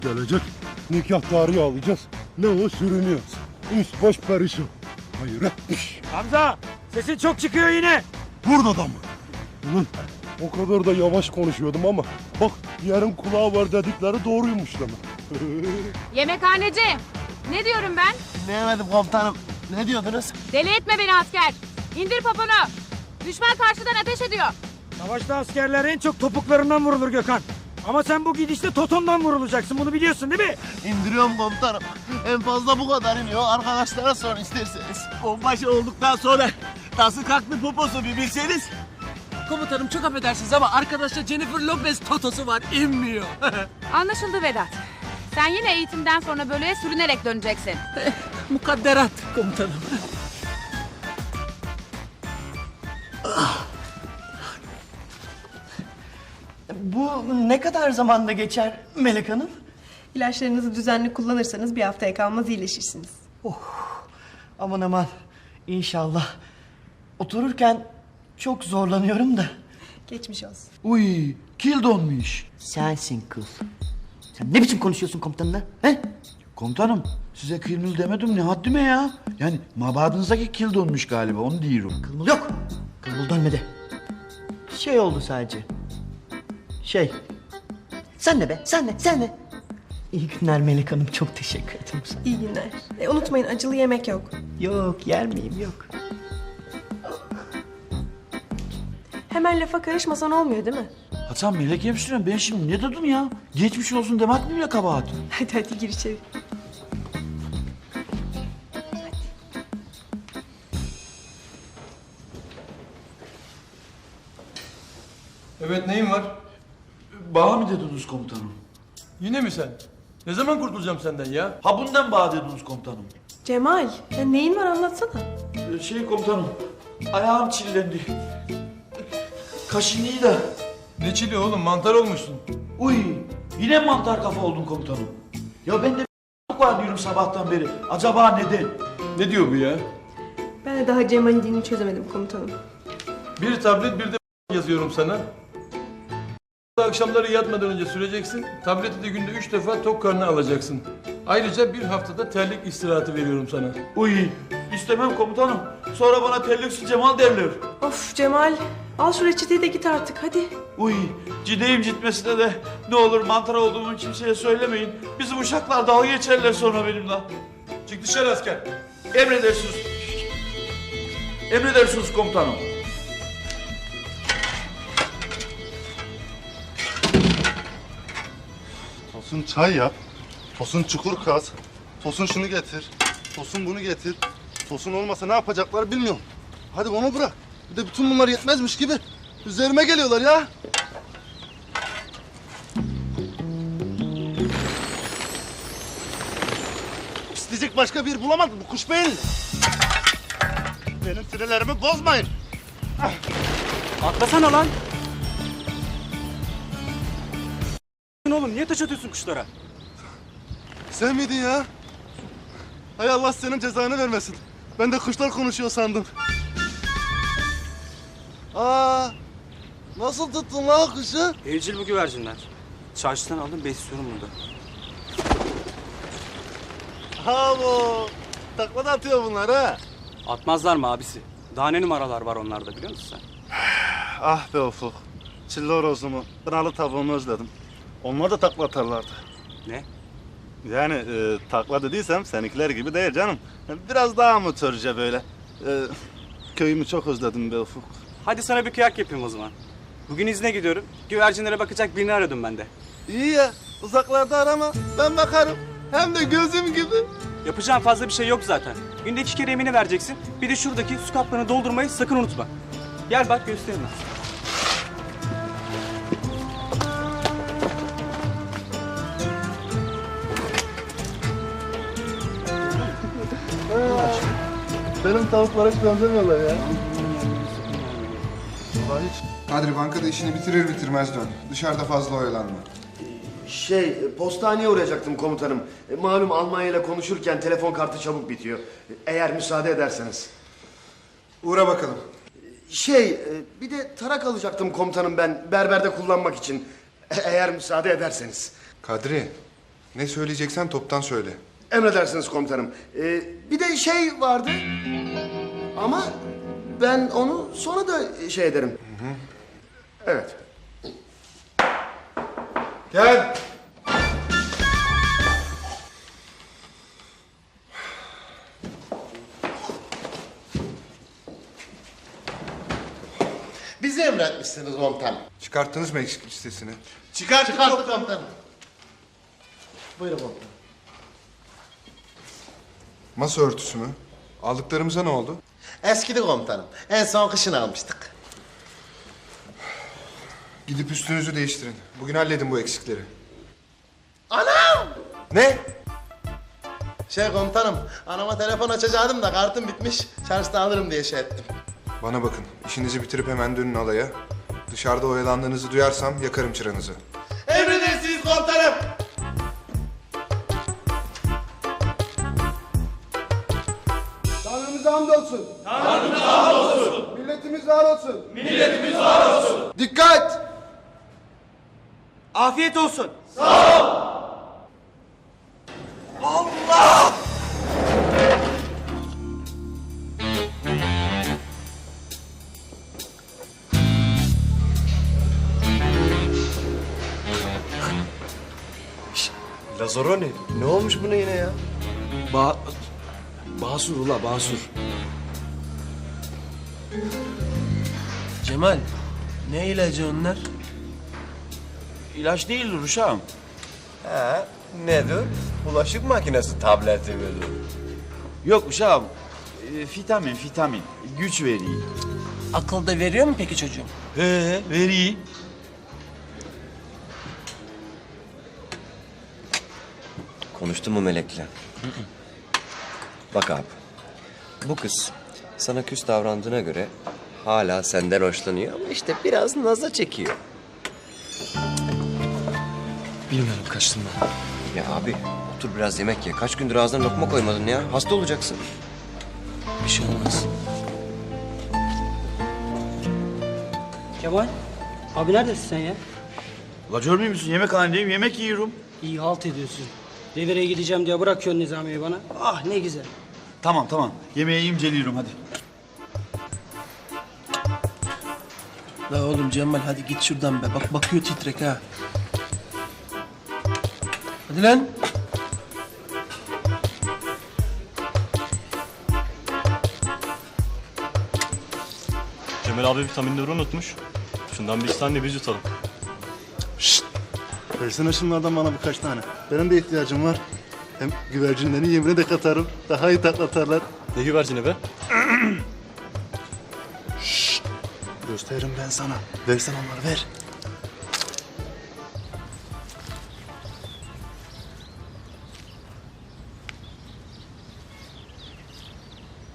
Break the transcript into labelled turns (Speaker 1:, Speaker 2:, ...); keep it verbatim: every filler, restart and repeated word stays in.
Speaker 1: Gelecek, nikah tarihi alacağız. Ne o sürünüyoruz. Üst baş perişan. Hayretmiş.
Speaker 2: Hamza, sesin çok çıkıyor yine.
Speaker 1: Burada da mı? Ulan o kadar da yavaş konuşuyordum ama bak yarım kulağı var dedikleri doğruymuş demek.
Speaker 3: Yemekhaneci. Ne diyorum ben?
Speaker 4: Dinleyemedim komutanım. Ne diyordunuz?
Speaker 3: Deli etme beni asker. İndir poponu. Düşman karşıdan ateş ediyor.
Speaker 2: Savaşta askerler en çok topuklarından vurulur Gökhan. Ama sen bu gidişte totondan vurulacaksın, bunu biliyorsun değil mi?
Speaker 4: İndiriyorum komutanım. En fazla bu kadar iniyor. Arkadaşlara sorun isterseniz. Onbaşı olduktan sonra nasıl kalktı poposu bir bilseniz.
Speaker 5: Komutanım çok affedersiniz ama arkadaşta Jennifer Lopez totosu var, inmiyor.
Speaker 3: Anlaşıldı Vedat. Sen yine eğitimden sonra bölüğe sürünerek döneceksin.
Speaker 5: Mukadderat komutanım.
Speaker 4: Bu ne kadar zamanda geçer Melek Hanım?
Speaker 6: İlaçlarınızı düzenli kullanırsanız bir haftaya kalmaz iyileşirsiniz.
Speaker 4: Aman aman. İnşallah. Otururken çok zorlanıyorum da.
Speaker 6: Geçmiş olsun.
Speaker 7: Uy, kil donmuş.
Speaker 4: Sensin kız. Sen ne biçim konuşuyorsun komutanla? He?
Speaker 7: Komutanım, size kılmıl demedim ne haddime ya. Yani mabadınızdaki kil donmuş galiba, onu diyorum.
Speaker 4: Kılmıl yok. Kılmıl dönmedi. Şey oldu sadece. Şey. Sen ne be? Sen ne? Sen ne? İyi günler Melek Hanım. Çok teşekkür ederim sana.
Speaker 6: İyi günler. E, unutmayın acılı yemek yok.
Speaker 4: Yok yer miyim? Yok.
Speaker 6: Hemen lafa karışmasan olmuyor değil mi?
Speaker 7: Hasan melek hemşirem ben şimdi ne dedim ya? Geçmiş olsun demek mi bile kabahat?
Speaker 6: Hadi hadi gir içeri.
Speaker 8: Evet, neyin var?
Speaker 7: Bağ mı dediniz komutanım?
Speaker 8: Yine mi sen? Ne zaman kurtulacağım senden ya?
Speaker 7: Ha bundan bağ dediniz komutanım.
Speaker 6: Cemal, ya neyin var anlatsana.
Speaker 7: Ee, Şey komutanım, ayağım çillendi. Kaşınıyı da.
Speaker 8: Ne çili oğlum, mantar olmuşsun.
Speaker 7: Uy, yine mantar kafa oldun komutanım. Ya ben de var diyorum sabahtan beri. Acaba neden?
Speaker 8: Ne diyor bu ya?
Speaker 6: Ben de daha Cemal'in dilini çözemedim komutanım.
Speaker 8: Bir tablet bir de yazıyorum sana. Akşamları yatmadan önce süreceksin. Tableti de günde üç defa tok karnına alacaksın. Ayrıca bir haftada terlik istirahatı veriyorum sana.
Speaker 7: Uy, istemem komutanım. Sonra bana terliksi Cemal derler.
Speaker 6: Of Cemal, al şu reçeteyi de git artık hadi.
Speaker 7: Uy, cideyim gitmesine de ne olur mantar olduğumu kimseye söylemeyin. Bizim uşaklar dalga geçerler sonra benimle.
Speaker 8: Çık dışarı asker.
Speaker 7: Emredersiniz. Emredersiniz komutanım.
Speaker 1: Tosun çay yap. Tosun çukur kaz. Tosun şunu getir. Tosun bunu getir. Tosun olmasa ne yapacaklar bilmiyorum. Hadi onu bırak. Bir de bütün bunlar yetmezmiş gibi üzerime geliyorlar ya. İsteyecek başka bir bulamadım bu kuş beyinli. Benim sinirlerimi bozmayın.
Speaker 2: Atlasana lan. Oğlum niye taş atıyorsun kuşlara?
Speaker 1: Sen miydin ya? Hay Allah senin cezanı vermesin. Ben de kuşlar konuşuyor sandım. Aa, nasıl tuttun lan o kuşu?
Speaker 2: Evcil bu güvercinler. Çarşıdan aldım, besliyorum burada.
Speaker 1: Ha bu. Takla da atıyor bunlar ha.
Speaker 2: Atmazlar mı abisi? Daha ne numaralar var onlarda biliyor musun sen?
Speaker 1: Ah be Ufuk. Çilli horozumu, kınalı tavuğumu özledim. Onlar da takla atarlardı.
Speaker 2: Ne?
Speaker 1: Yani e, takla dediysem seninkiler gibi değil canım. Biraz daha amatörce böyle. E, köyümü çok özledim be Ufuk.
Speaker 2: Hadi sana bir kıyak yapayım o zaman. Bugün izne gidiyorum. Güvercinlere bakacak birini aradım ben de.
Speaker 1: İyi ya, uzaklarda arama. Ben bakarım. Hem de gözüm gibi.
Speaker 2: Yapacağın fazla bir şey yok zaten. Günde iki kere yemini vereceksin. Bir de şuradaki su kaplarını doldurmayı sakın unutma. Gel bak göstereyim ben.
Speaker 1: Benim tavuklara hiç benzemiyorlar ya.
Speaker 9: Kadri bankada işini bitirir bitirmez dön. Dışarıda fazla oyalanma.
Speaker 10: Şey, postaneye uğrayacaktım komutanım. E, malum Almanya ile konuşurken telefon kartı çabuk bitiyor. Eğer müsaade ederseniz.
Speaker 9: Uğra bakalım.
Speaker 10: Şey, e, bir de tarak alacaktım komutanım ben berberde kullanmak için. E, eğer müsaade ederseniz.
Speaker 9: Kadri, Ne söyleyeceksen toptan söyle.
Speaker 10: Emredersiniz komutanım. Ee, bir de şey vardı. Ama ben onu sonra da şey ederim. Evet.
Speaker 9: Gel.
Speaker 11: Bizi emretmişsiniz komutanım.
Speaker 9: Çıkarttınız mı eksik listesini?
Speaker 11: Çıkarttık, Çıkarttık komutanım. Buyurun komutanım.
Speaker 9: Masa örtüsü mü? Aldıklarımıza ne oldu?
Speaker 11: Eskidi komutanım. En son kışın almıştık.
Speaker 9: Gidip üstünüzü değiştirin. Bugün halledin bu eksikleri.
Speaker 11: Anam!
Speaker 9: Ne?
Speaker 11: Şey komutanım, anama telefon açacaktım da kartım bitmiş. Şarjda alırım diye şey ettim.
Speaker 9: Bana bakın. İşinizi bitirip hemen dönün alaya. Dışarıda oyalandığınızı duyarsam yakarım çıranızı.
Speaker 11: Emredersiniz komutanım.
Speaker 1: Tanrımıza hamdolsun. Tanrımıza hamdolsun. Milletimiz var olsun. Milletimiz var olsun. Dikkat!
Speaker 2: Afiyet olsun.
Speaker 10: Lazaroni, ne olmuş buna yine ya?
Speaker 5: Ba Basur ula Basur. Cemal, ne ilacı onlar?
Speaker 7: İlaç değildir uşağım.
Speaker 10: He, nedir? Bulaşık makinesi tableti midir?
Speaker 7: Yok uşağım. E, vitamin, vitamin. Güç veriyor.
Speaker 5: Akıl da veriyor mu peki çocuğum?
Speaker 7: He, veriyor.
Speaker 12: Konuştun mu Melek'le? Bak abi, bu kız sana küs davrandığına göre hala senden hoşlanıyor ama işte biraz naza çekiyor.
Speaker 5: Bilmiyorum, kaçtım ben.
Speaker 12: Ya abi, otur biraz yemek ye. Kaç gündür ağzına lokma koymadın ya. Hasta olacaksın.
Speaker 5: Bir şey olmaz.
Speaker 13: Kemal, abi neredesin sen ya?
Speaker 7: La görmüyor musun? Yemekhanedeyim, yemek yiyorum.
Speaker 13: İyi halt ediyorsun. Devreye gideceğim diye bırakıyorsun Nizami'yi bana. Ah ne güzel.
Speaker 7: Tamam tamam. Yemeği yiyeyim, geliyorum hadi.
Speaker 5: La oğlum Cemal hadi git şuradan be. Bak bakıyor titrek ha. Hadi lan.
Speaker 14: Cemal abi vitaminleri unutmuş. Şundan bir iki tane biz yutalım.
Speaker 1: Şşt! Versene şunlardan bana birkaç tane. Benim de ihtiyacım var. Hem güvercinlerin yemine de katarım. Daha iyi tatlatarlar.
Speaker 14: Ne güvercini be?
Speaker 1: Şşt! Gösteririm ben sana. Versen onları ver.